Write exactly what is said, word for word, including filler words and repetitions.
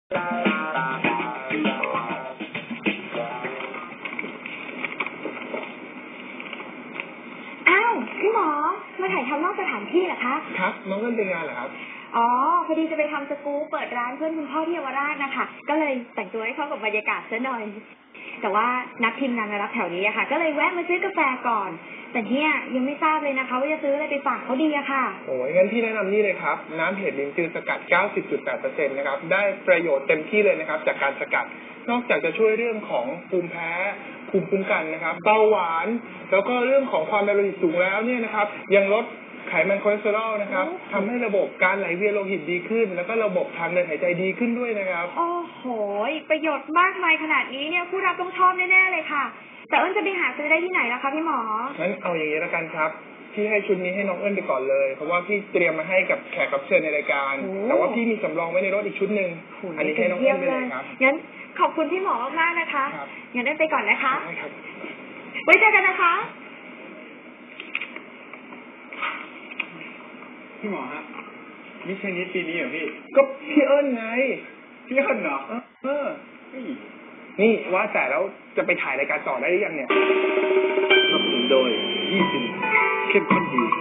อ้าวพี่หมอมาถ่ายทำนอกสถานที่เหรอคะครับน้องเล่นเป็นงานเหรอครับอ๋อพอดีจะไปทำสกู๊ปเปิดร้านเพื่อนคุณพ่อที่เยาวราชนะคะก็เลยแต่งตัวให้เข้ากับบรรยากาศซะหน่อยแต่ว่านัดทีมงานมารับแถวนี้อะค่ะก็เลยแวะมาซื้อกาแฟก่อนแต่เนี่ยยังไม่ทราบเลยนะคะว่าจะซื้ออะไรไปฝากเขาดีอะค่ะโอ้ยงั้นพี่แนะนำนี่เลยครับน้ำเห็ดลิ้นจือสกัด เก้าสิบจุดแปดเปอร์เซ็นต์ นะครับได้ประโยชน์เต็มที่เลยนะครับจากการสกัดนอกจากจะช่วยเรื่องของภูมิแพ้ภูมิคุ้มกันนะครับเบาหวานแล้วก็เรื่องของความดันโลหิตสูงแล้วเนี่ยนะครับยังลดไขมันคอเลสเตอรอลนะครับทำให้ระบบการไหลเวียนโลหิตดีขึ้นแล้วก็ระบบทางเดินหายใจดีขึ้นด้วยนะครับโอ้โหประโยชน์มากมายขนาดนี้เนี่ยผู้รับต้องชอบแน่ๆเลยค่ะแต่เอิญจะไปหาซื้อได้ที่ไหนล่ะคะพี่หมองั้นเอาอย่างนี้แล้วกันครับพี่ให้ชุดนี้ให้น้องเอิญไปก่อนเลยเพราะว่าพี่เตรียมมาให้กับแขกรับเชิญในรายการแต่ว่าพี่มีสำรองไว้ในรถอีกชุดหนึ่งอันนี้ให้น้องเอิญไปเลยครับงั้นขอบคุณพี่หมอมากๆนะคะงั้นเอิญไปก่อนนะคะใช่ครับไว้เจอกันนะคะพี่หมอฮะมิชชันนิดปีนี้เหรอพี่ก็พี่เอิญไงพี่เอิญเหรอเออนี่ว่าแต่แล้วจะไปถ่ายรายการต่อได้หรือยังเนี่ยสนับสนุนโดยยี่สิบเข้มข้นดี